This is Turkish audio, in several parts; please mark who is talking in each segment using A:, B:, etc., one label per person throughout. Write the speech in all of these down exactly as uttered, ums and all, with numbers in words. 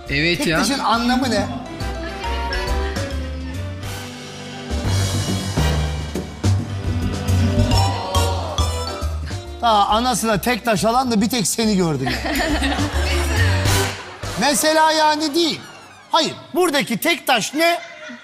A: Evet
B: Tek
A: ya.
B: taşın anlamı ne? Daha anasına tek taş alan da bir tek seni gördüm. Mesela yani değil. Hayır, buradaki tek taş ne?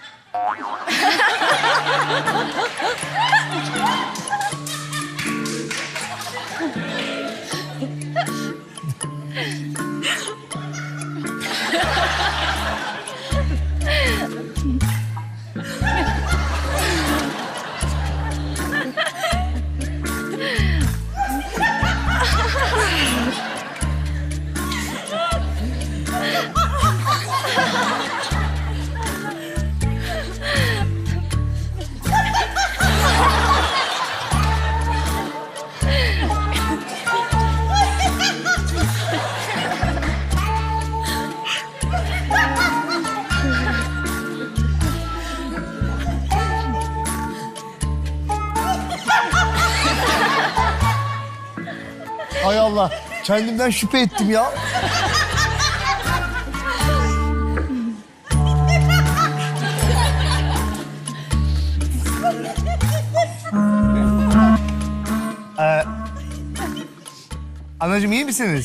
B: Hay Allah, kendimden şüphe ettim ya. ee, anacığım iyi misiniz?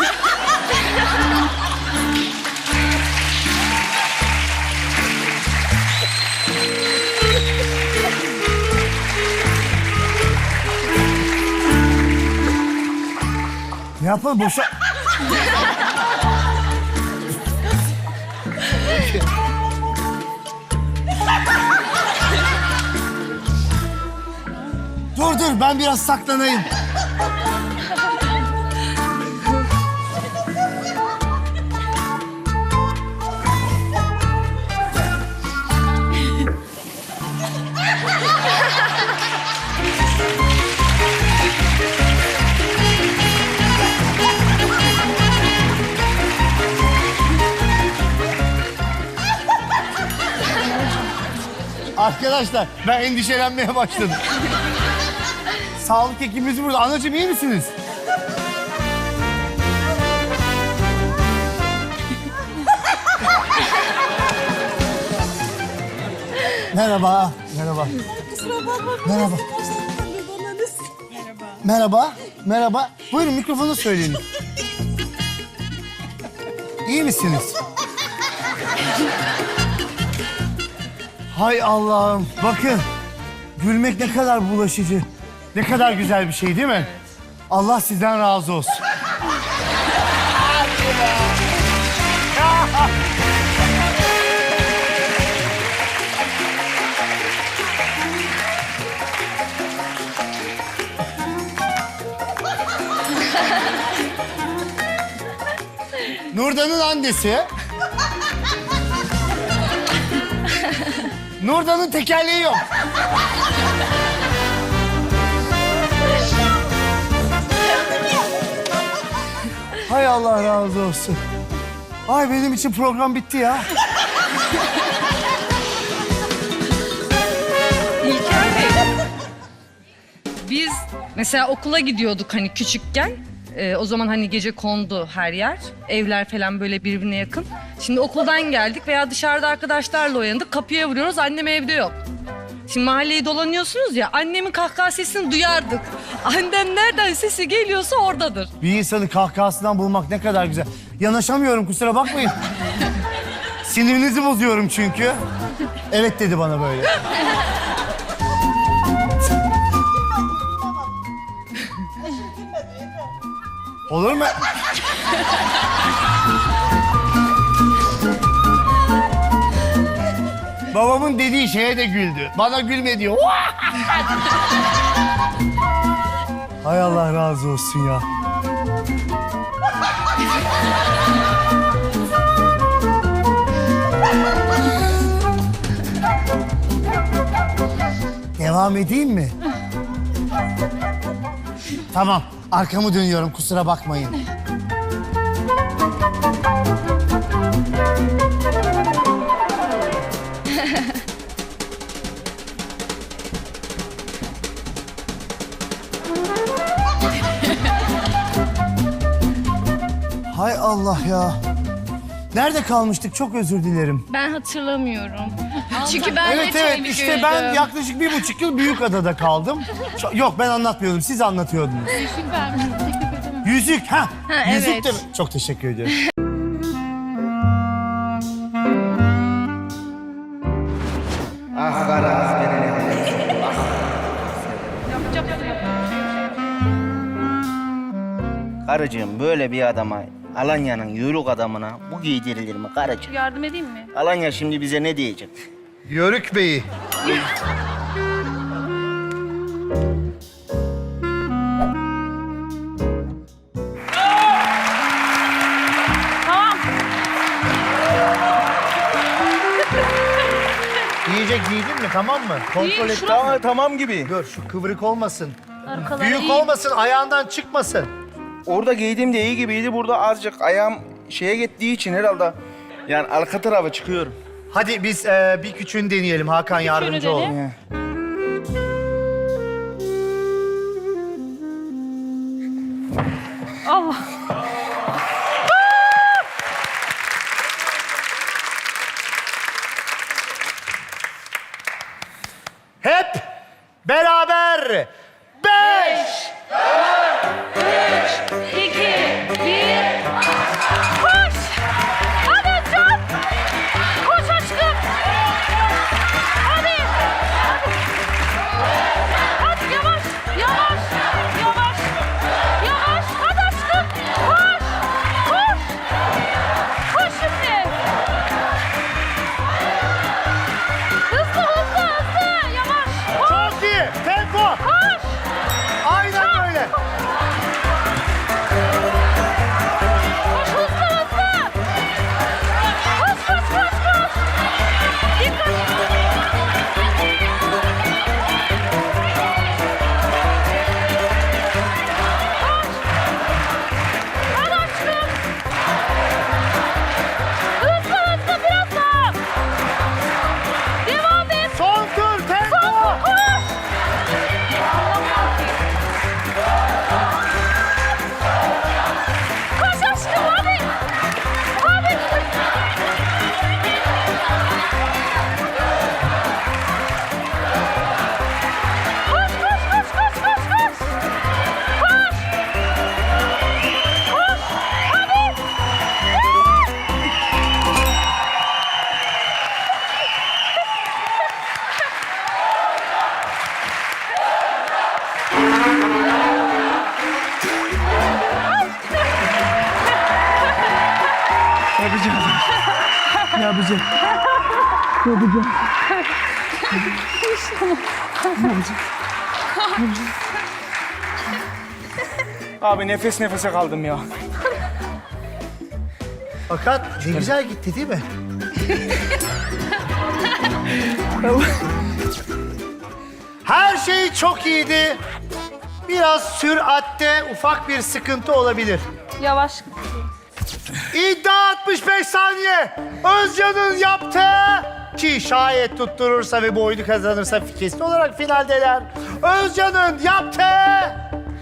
B: Ne yapalım boşa... Dur dur, ben biraz saklanayım. Arkadaşlar, ben endişelenmeye başladım. Sağlık ekibimiz burada. Anacığım iyi misiniz? Merhaba. Merhaba.
C: Kusura bakma.
B: Merhaba.
C: Merhaba.
B: Merhaba. Merhaba. Buyurun mikrofonu söyleyin. İyi misiniz? Hay Allah'ım. Bakın. Gülmek ne kadar bulaşıcı. Ne kadar güzel bir şey değil mi? Allah sizden razı olsun. Nurdan'ın annesi. Nurdan'ın tekerleği yok. Hay Allah razı olsun. Ay benim için program bitti ya.
D: İlker Bey, biz mesela okula gidiyorduk hani küçükken. Ee, o zaman hani gece kondu her yer. Evler falan böyle birbirine yakın. Şimdi okuldan geldik veya dışarıda arkadaşlarla uyandık. Kapıya vuruyoruz, annem evde yok. Şimdi mahalleyi dolanıyorsunuz ya, annemin kahkaha sesini duyardık. Annem nereden sesi geliyorsa oradadır.
B: Bir insanı kahkahasından bulmak ne kadar güzel. Yanaşamıyorum kusura bakmayın. Sinirinizi bozuyorum çünkü. Evet dedi bana böyle. Olur mu? Babamın dediği şeye de güldü. Bana gülme diyor. Hay Allah razı olsun ya. Devam edeyim mi? Tamam, arkamı dönüyorum kusura bakmayın. Hay Allah ya. Nerede kalmıştık? Çok özür dilerim.
A: Ben hatırlamıyorum. Çünkü ben
B: Evet
A: de
B: evet
A: çok
B: işte ben yaklaşık bir buçuk yıl Büyükada'da kaldım. Çok- Yok ben anlatmıyordum, siz anlatıyordunuz.
A: Yüzük vermiştim, teklif edemem.
B: Yüzük, ha.
A: Ha,
B: Yüzük
A: evet.
B: de mi? Çok teşekkür ederim.
C: Ah Karaz beni. Karıcığım böyle bir adama, Alanya'nın yörük adamına bu giydirilir mi karıcığım?
A: Yardım edeyim mi?
C: Alanya şimdi bize ne diyecek?
B: Yörük Bey'i.
A: Tamam.
B: Yiyecek giydin mi, tamam mı? Kontrol et.
C: Tamam, tamam gibi.
B: Dur şu kıvrık olmasın.
A: Arkaları
B: Büyük
A: iyi.
B: olmasın, ayağından çıkmasın.
C: Orada giydiğimde iyi gibiydi. Burada azıcık ayağım şeye gittiği için herhalde. Yani arka tarafa çıkıyorum.
B: Hadi biz e, bir küçüğünü deneyelim. Hakan yardımcı ol.
A: dene.
C: Ya.
A: Allah.
B: Hep beraber. Beş.
A: İki, bir. Koş! Hadi can! Koş aşkım! Hadi! Hadi! Hadi yavaş! Yavaş! Yavaş! Yavaş! Hadi aşkım! Koş! Koş! Koş şimdi! Hızlı hızlı hızlı! Yavaş! Koş!
B: Çok iyi. Tempo.
A: Koş!
B: Aynen öyle.
A: Koş hızlı hızlı! Koş koş koş koş! Dikkat! Koş! Hadi aşkım! Hızlı hızlı biraz daha! Devam et!
B: Son tur tempo.
A: Koş! Koş aşkım hadi! Hadi! Koş koş koş koş koş koş! Koş! Koş! Hadi!
C: Abi nefes nefese kaldım ya.
B: Fakat ne güzel gitti değil mi? Her şey çok iyiydi. Biraz süratte ufak bir sıkıntı olabilir.
A: Yavaş.
B: İddia altmış beş saniye. Özcan'ın yaptığı ki şayet tutturursa ve bu oyunu kazanırsa kesin olarak finaldeler. Özcan'ın yaptığı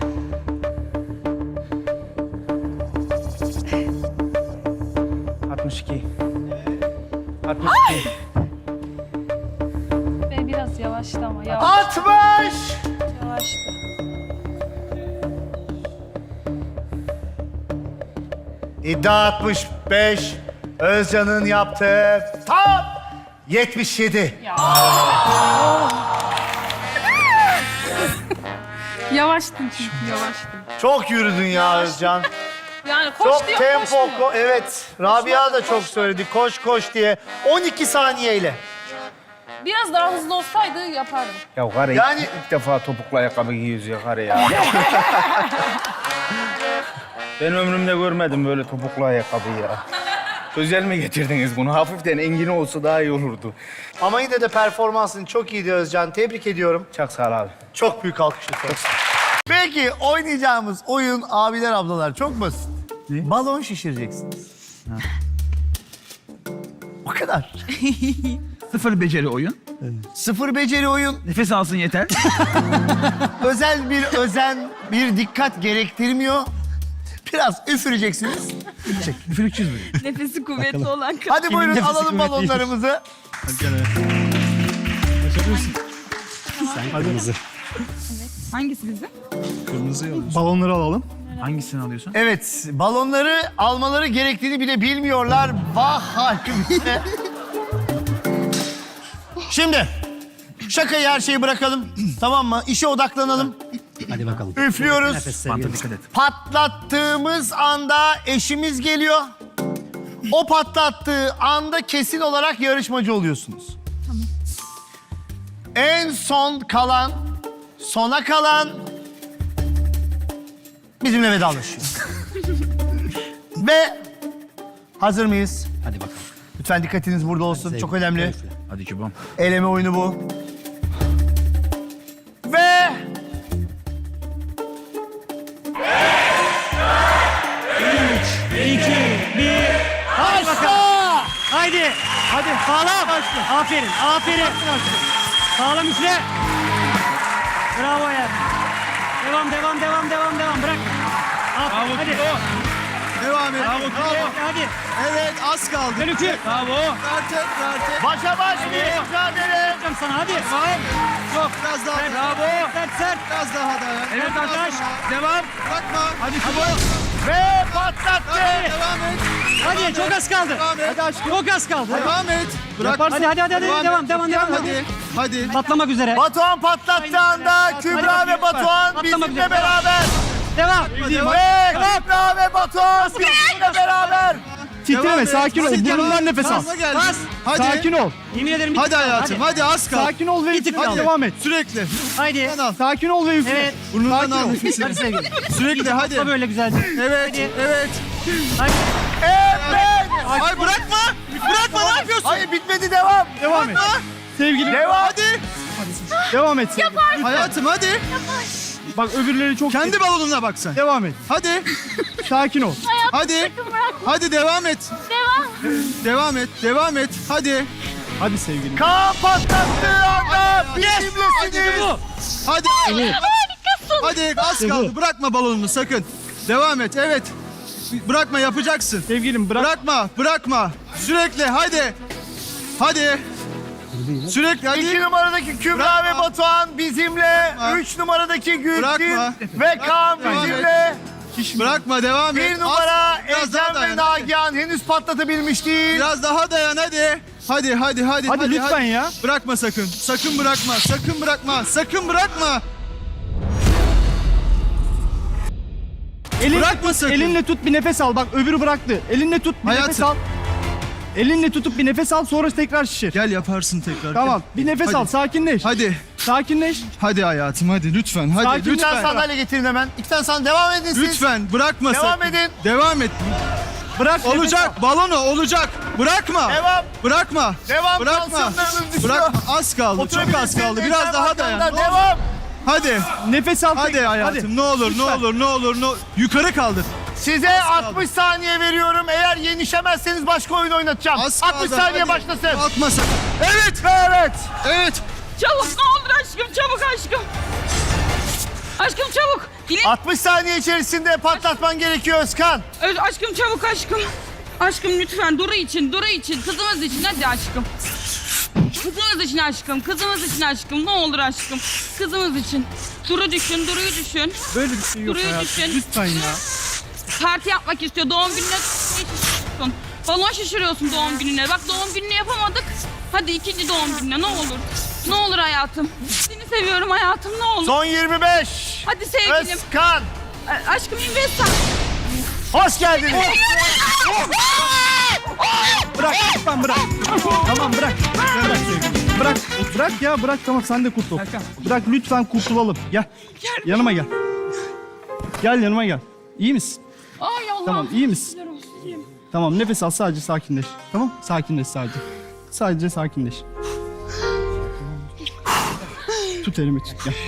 C: altmış iki. altmış iki.
A: Ve biraz yavaştı ama yavaş.
B: altmış.
A: Yavaştı.
B: İddia altmış beş. Özcan'ın yaptığı tam yetmiş yedi.
A: Yavaştın çünkü yavaştın.
B: Çok yürüdün ya Özcan.
A: Yani koş
B: Çok
A: diyor
B: tempo,
A: koşmuyor.
B: ko- evet. Rabia da çok söyledi, koş koş diye. on iki saniyeyle.
A: Biraz daha hızlı olsaydı yapardım.
C: Ya karı
B: Yani-
C: ilk, ilk defa topuklu ayakkabı giyiyoruz ya karı ya. Ben ömrümde görmedim böyle topuklu ayakkabı ya. Özel mi getirdiniz bunu? Hafiften engini olsa daha iyi olurdu.
B: Ama yine de performansın çok iyiydi Özcan. Tebrik ediyorum.
C: Çok sağ ol abi.
B: Çok büyük alkış lütfen. Peki oynayacağımız oyun abiler ablalar çok basit. Balon şişireceksiniz. O kadar.
E: Sıfır beceri oyun.
B: Sıfır beceri oyun.
E: Nefes alsın yeter.
B: Özel bir özen, bir dikkat gerektirmiyor. Biraz üfüreceksiniz.
E: Üfürükçüyüz mü?
A: Nefesi kuvvetli olan kadın.
B: Hadi buyurun
E: nefesi
B: alalım
E: kuvvetliymiş.
B: balonlarımızı.
A: Hangisi bizim?
E: Balonları alalım. Hangisini alıyorsun?
B: Evet, balonları almaları gerektiğini bile bilmiyorlar. Vah halimize. Şimdi, şakayı her şeyi bırakalım. Tamam mı? İşe odaklanalım.
F: Hadi bakalım.
B: Üflüyoruz.
E: Banta dikkat et.
B: Patlattığımız anda eşimiz geliyor. O patlattığı anda kesin olarak yarışmacı oluyorsunuz. Tamam. En son kalan, sona kalan bizimle vedalaşıyor. Ve hazır mıyız?
F: Hadi bakalım.
B: Lütfen dikkatiniz burada olsun. Çok önemli.
E: Hadi Kübom.
B: Eleme oyunu bu. Ve... Başla!
G: Haydi. Hadi. Sağlam. Aferin. Aferin. Sağlam üfle. Bravo ya. Devam, devam, devam, devam, devam. Bırak. Aferin. Hadi.
H: Devam et.
G: Hadi. Hadi.
H: Evet, az kaldı.
G: Dön üfle. Bravo.
H: Artık, artık.
B: Başa baş bir mücadele.
G: Yapacağım sana. Hadi. Çok.
H: Biraz daha.
G: Sert. Bravo. Sert, sert.
H: Biraz daha dayan.
G: Evet arkadaş.
H: Devam. Bırakma. Hadi Kübra.
B: Ve patlattı.
H: Devam et.
G: Hadi. Çok az kaldı.
H: Devam et.
G: Hadi aşkım. Çok az kaldı.
H: Devam et. Bırak.
G: Hadi, hadi, hadi. hadi. Devam,
H: et.
G: devam, devam.
H: Hadi. Hadi.
G: Patlamak üzere.
B: Batuhan patlattığı anda Kübra ve Batuhan
G: Patlamak
B: bizimle
G: üzere.
B: beraber.
G: Devam.
B: Ve Kübra ve Batuhan bizimle beraber.
H: Titreme, sakin ol.
G: Burnundan
H: nefes al.
G: Bas.
H: Hadi. Sakin ol.
G: Yemin ederim. bir
H: Hadi
G: tık kaldı.
H: hayatım. Hadi az kaldı.
G: Sakin ol ve
H: Hadi
G: üfle.
H: devam et. Sürekli.
G: Haydi.
H: Burnundan al. Sakin ol ve üfle.
G: Evet.
H: Burnundan al
G: Hadi
H: nefesini.
G: sevgilim.
H: Sürekli hadi.
G: Yapma böyle güzelce.
H: Evet. Evet.
G: Hadi.
B: Evet.
H: Ay bırakma. Bırakma ne yapıyorsun?
B: Hayır bitmedi devam.
H: Devam et. Sevgilim.
B: Devam.
H: Hadi. Devam et. Yaparsın. Hayatım hadi.
G: Bak öbürleri çok...
H: Kendi balonuna bak sen.
G: Devam et.
H: Hadi.
G: Sakin ol.
H: Hadi. Hadi devam et. Devam. Devam et. Devam et. Hadi.
G: Hadi sevgilim.
B: Kaan patlattığı anda bizimlesiniz.
H: Hadi. Hadi az kaldı. Bırakma balonunu sakın. Devam et. Evet. Bırakma yapacaksın.
G: Sevgilim bırak.
H: Bırakma. Bırakma. Sürekli hadi. Hadi. Sürekli hadi.
B: İki numaradaki Kübra
H: Bırakma.
B: ve Batuhan bizimle.
H: Bırakma.
B: Üç numaradaki Gülçin
H: Bırakma.
B: ve Kaan
H: Devam et.
B: bizimle.
H: Bırakma devam et.
B: Bir numara
H: Az- biraz daha
B: Ecem ve
H: dayan, hadi.
B: Nagihan henüz patlatabilmiş değil.
H: Biraz daha dayan hadi. Hadi hadi hadi.
G: Hadi lütfen ya.
H: Bırakma sakın. Sakın bırakma. Sakın bırakma. Sakın bırakma.
G: Elin,
H: Bırakma sakın.
G: elinle tut bir nefes al. Bak öbürü bıraktı. Elinle tut bir
H: Hayatım.
G: nefes al. Elinle tutup bir nefes al sonra tekrar şişir.
H: Gel yaparsın tekrar.
G: Tamam.
H: Gel.
G: Bir nefes
H: Hadi.
G: al. Sakinleş.
H: Hadi.
G: Sakinleş.
H: Hadi hayatım hadi lütfen. Hadi
G: Sakin,
B: İki tane
H: lütfen.
B: sandalye getirin hemen. İki tane sandalye. Devam edin siz.
H: Lütfen bırakma
B: Devam
H: sakın.
B: edin.
H: Devam et.
G: Bırak. nefes al.
H: Olacak. Balonu olacak. Bırakma.
B: Devam.
H: Bırakma.
B: Devam.
H: Bırakma.
B: Tansiyonlarınız düşüyor.
H: Bırakma. Az kaldı. Çok az kaldı. Biraz daha dayan. Ne olur.
B: Devam.
H: Hadi.
G: Nefes al.
H: Hadi hayatım. Ne olur, ne olur, ne olur, ne olur. Yukarı kaldır.
B: Size altmış saniye veriyorum. Eğer yenişemezseniz başka oyun oynatacağım.
H: Az kaldı.
B: altmış saniye
H: Hadi.
B: başlasın.
H: Kalkma sakın. Evet.
B: Evet.
H: Evet.
A: Çabuk ne olur aşkım çabuk aşkım. Aşkım çabuk. Dilek.
B: altmış saniye içerisinde patlatman gerekiyor Özkan.
A: Öz aşkım çabuk aşkım. Aşkım lütfen Duru için, Duru için, kızımız için hadi aşkım. Kızımız için aşkım, kızımız için aşkım. Ne olur aşkım. Kızımız için. Duru düşün, Duru'yu düşün.
G: Böyle bir şey yok
A: Duru'yu
G: hayatım.
A: düşün.
G: Lütfen ya.
A: Parti yapmak istiyor. Doğum gününe şişiriyorsun. Balon şişiriyorsun doğum gününe. Bak doğum gününü yapamadık. Hadi ikinci doğum gününe ne olur. Ne olur hayatım. Seni seviyorum hayatım ne olur.
B: Son yirmi beş.
A: Hadi sevgilim.
B: Özkan.
A: A- Aşkım investa.
B: Hoş geldiniz.
G: Bırak lütfen bırak. Tamam bırak. Bırak sevgilim. Bırak. Bırak ya bırak tamam sen de kurtul. Bırak lütfen kurtulalım. Gel. Yanıma gel. Gel yanıma gel. İyi misin?
A: Ay Allah.
G: Tamam iyi misin?
A: Şükürler olsun, iyiyim.
G: Tamam nefes al sadece sakinleş. Tamam sakinleş sadece. Sadece sakinleş. Tut elimi tut gel.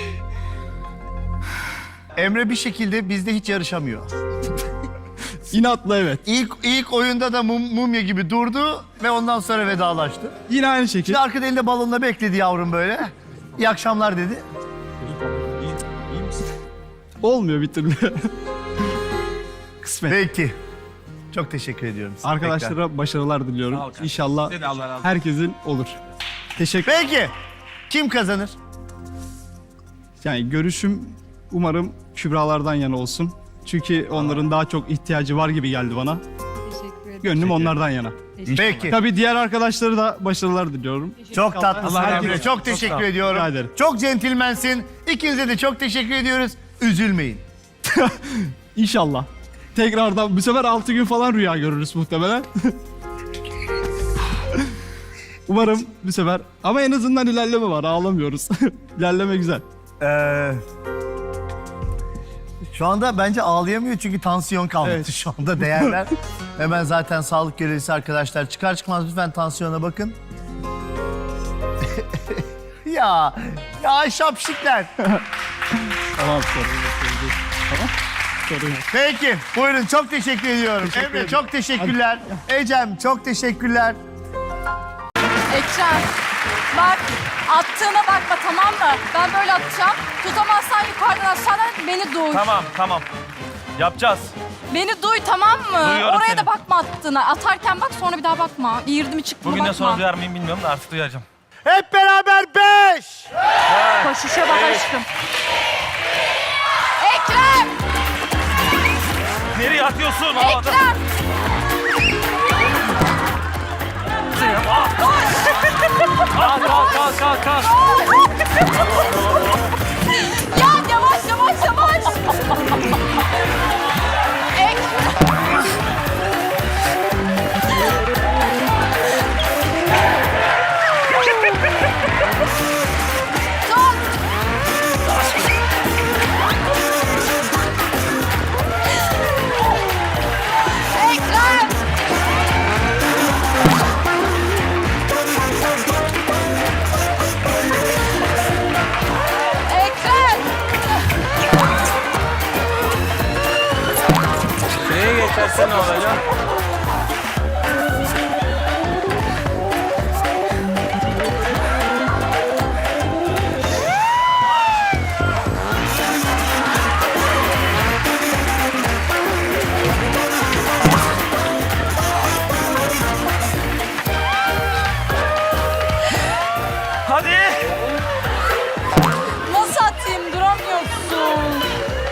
B: Emre bir şekilde bizde hiç yarışamıyor.
G: İnatla evet.
B: İlk ilk oyunda da mum, mumya gibi durdu ve ondan sonra vedalaştı.
G: Yine aynı şekilde.
B: Şimdi arkada elinde balonla bekledi yavrum böyle. İyi akşamlar dedi.
G: Olmuyor bir türlü. Kısmet.
B: Peki. Çok teşekkür ediyorum size.
G: Arkadaşlara
B: Tekrar.
G: başarılar diliyorum. İnşallah herkesin olur. Teşekkür.
B: Peki. Kim kazanır?
G: Yani görüşüm umarım Kübralardan yana olsun. Çünkü onların daha çok ihtiyacı var gibi geldi bana.
D: Teşekkür ederim.
G: Gönlüm onlardan yana.
B: Peki.
G: Tabii diğer arkadaşları da başarılar diliyorum.
B: Çok tatlısın.
G: Allah
B: Emre.
G: razı
B: Çok
G: olsun.
B: teşekkür
G: Çok sağ ol.
B: ediyorum.
G: Rica ederim.
B: Çok centilmensin. İkinize de çok teşekkür ediyoruz. Üzülmeyin.
G: İnşallah. Tekrardan bu sefer altı gün falan rüya görürüz muhtemelen. Umarım bu sefer ama en azından ilerleme var, ağlamıyoruz. İlerleme güzel.
B: Ee, şu anda bence ağlayamıyor çünkü tansiyon kalmadı
G: Evet.
B: şu anda değerler. Hemen zaten sağlık görevlisi arkadaşlar çıkar çıkmaz lütfen tansiyona bakın. ya, ya şapşikler.
G: Tamam, sorun yok, sorun yok. Tamam, sorun yok.
B: Peki, buyurun çok teşekkür ediyorum.
G: Teşekkür
B: Emre
G: ederim.
B: çok teşekkürler. Ecem çok teşekkürler.
F: Ekrem, bak attığına bakma tamam mı? Ben böyle atacağım. Tutamazsan yukarıdan aşağıdan beni duy.
I: Tamam, tamam. Yapacağız.
F: Beni duy tamam mı?
I: Duyuyorum
F: Oraya
I: seni.
F: da bakma attığına. Atarken bak sonra bir daha bakma. Girdi mi çıktı mı
I: Bugünden
F: bakma.
I: sonra duyar mıyım bilmiyorum da artık duyacağım.
B: Hep beraber beş.
F: Koşuşa bak aşkım. Ekrem!
I: Nereye atıyorsun havada?
F: Ekrem!
I: Kalk, kalk, kalk, kalk, kalk.
F: Ya yavaş yavaş yavaş. Ekrem! Tut! Ekrem! Ekrem!
I: Nereye geçerse ne olacak? Hadi.
F: Nasıl atayım? Duramıyorsun.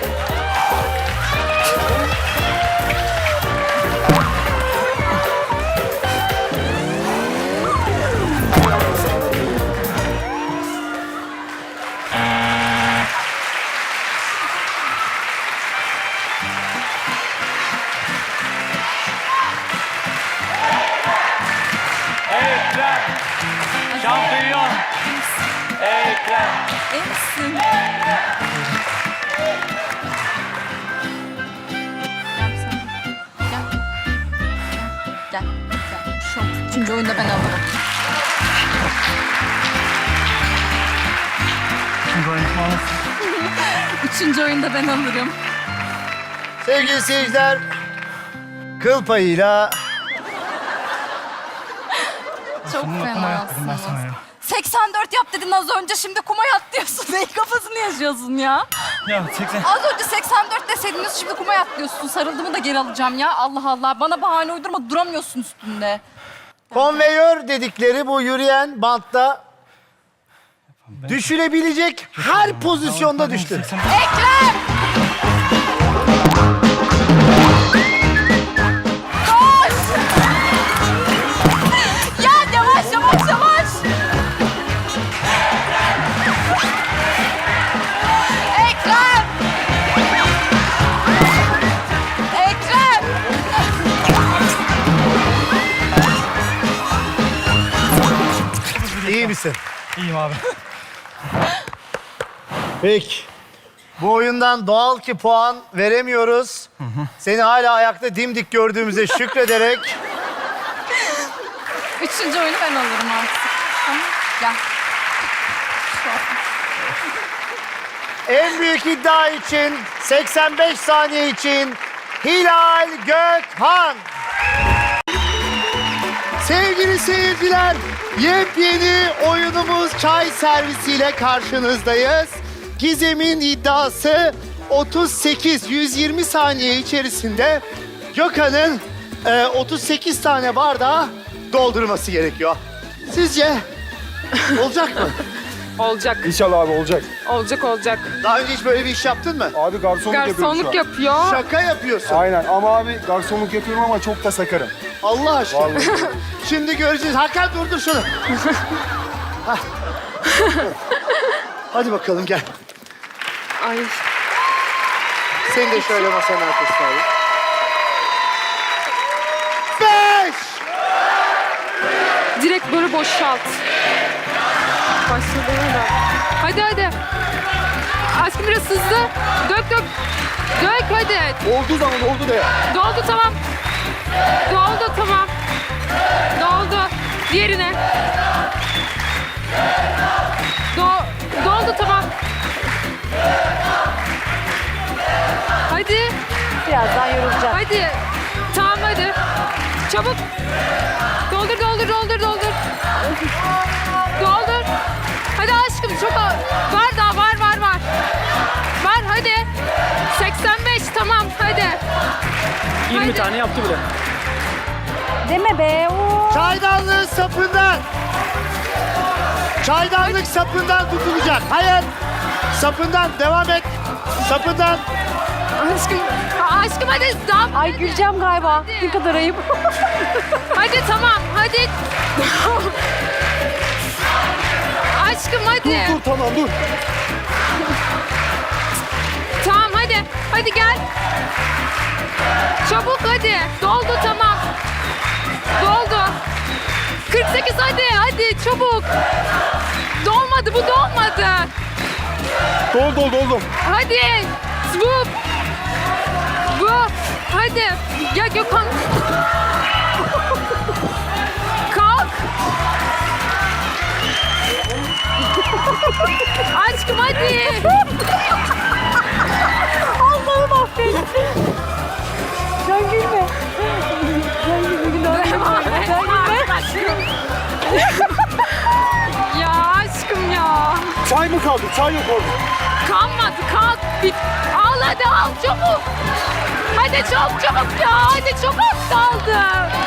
I: Ekrem. Şampiyon. Ekrem.
F: İyi misin? Gel. Gel. Gel. Gel. Şu üçüncü oyunda ben alırım. Üçüncü oyunda ben alırım.
B: Sevgili seyirciler, kıl payıyla
F: Çok fenasınız. seksen dört yap dedin az önce, şimdi kuma yat diyorsun. Neyin kafasını yaşıyorsun ya?
I: Ya seksen.
F: Az önce seksen dört deseydiniz, şimdi kuma yat diyorsun. Sarıldığımı da geri alacağım ya. Allah Allah. Bana bahane uydurma, duramıyorsun üstünde.
B: konveyör dedikleri bu yürüyen bantta düşülebilecek her pozisyonda düştü.
F: Ekrem! Koş! Ya yavaş yavaş yavaş! Ekrem! Ekrem!
B: İyi misin?
I: İyiyim abi.
B: Peki. Bu oyundan doğal ki puan veremiyoruz. Seni hala ayakta dimdik gördüğümüze şükrederek
F: Üçüncü oyunu ben alırım artık. Tamam, gel.
B: en büyük iddia için seksen beş saniye için Hilal Gökhan. Sevgili seyirciler, yepyeni oyunumuz çay servisiyle karşınızdayız. Gizem'in iddiası otuz sekiz, yüz yirmi saniye içerisinde Gökhan'ın e, otuz sekiz tane bardağı doldurması gerekiyor. Sizce olacak mı?
J: Olacak.
E: İnşallah abi olacak.
J: Olacak olacak.
B: Daha önce hiç böyle bir iş yaptın mı?
E: Abi garsonluk,
J: Garsonluk yapıyor.
B: Şaka yapıyorsun.
E: Aynen ama abi garsonluk yapıyorum ama çok da sakarım.
B: Allah aşkına. Şimdi göreceğiz. Hakan durdur şunu. Hah. Hadi bakalım gel.
J: Ay.
B: Seni de şöyle masanın arkasına alayım. Beş!
J: Direkt böyle boşalt. Başladığına da. Hadi hadi. Aşkım biraz hızlı. Dök dök. Dök hadi.
E: Olduğu zaman oldu da ya.
J: Doldu tamam. Doldu tamam. Doldu. Diğerine. Do doldu tamam. Hadi.
F: Birazdan yorulacağım.
J: Hadi. Tamam hadi. Çabuk. Doldur doldur doldur doldur. Doldur. Hadi aşkım çok a- var daha var var var. Var hadi. seksen beş tamam hadi.
I: yirmi
J: Hadi.
I: tane yaptı bile.
F: Deme be. Oo.
B: Çaydanlığın sapından. Çaydanlık sapından tutulacak. Hayır. Sapından devam et. Sapından.
J: Aşkım. Aşkım hadi. Tamam.
F: Ay güleceğim galiba. Ne kadar ayıp.
J: Hadi tamam hadi. Aşkım hadi.
E: Dur tamam dur.
J: Tamam hadi. Hadi gel. Çabuk hadi. Doldu tamam. Doldu. kırk sekiz hadi hadi çabuk. Dolmadı bu dolmadı.
E: Dol dol doldum.
J: Hadi. Bu. Bu. Hadi. Ya Gökhan. Kalk. Aşkım hadi.
F: Allah'ım affet. Sen gülme. Sen gülme. Günah gülme. Sen gülme.
J: Ya aşkım ya.
E: Çay mı kaldı? Çay yok orada.
J: Kalmadı kalk. Bit. Al hadi al çabuk. Hadi çok çabuk ya. Hadi çok az kaldı.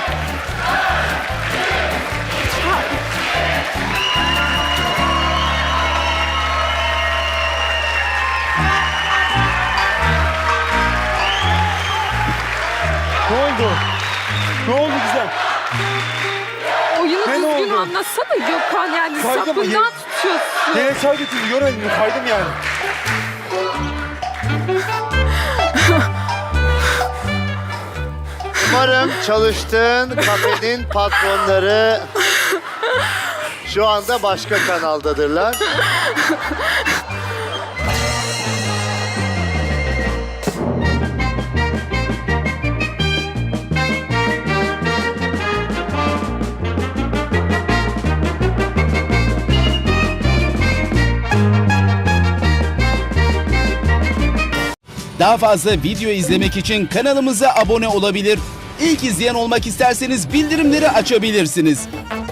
E: Ne oldu? Ne oldu güzel?
J: Oyunu
E: Ne oldu?
J: düzgün anlatsana Gökhan yani
E: Kaydı mı?
J: sapından
E: Ye-
J: tutuyorsun.
E: Neye çay getirdi görmedin mi? Kaydım yani.
B: Umarım çalıştığın kafenin patronları şu anda başka kanaldadırlar.
K: Daha fazla video izlemek için kanalımıza abone olabilir. İlk izleyen olmak isterseniz bildirimleri açabilirsiniz.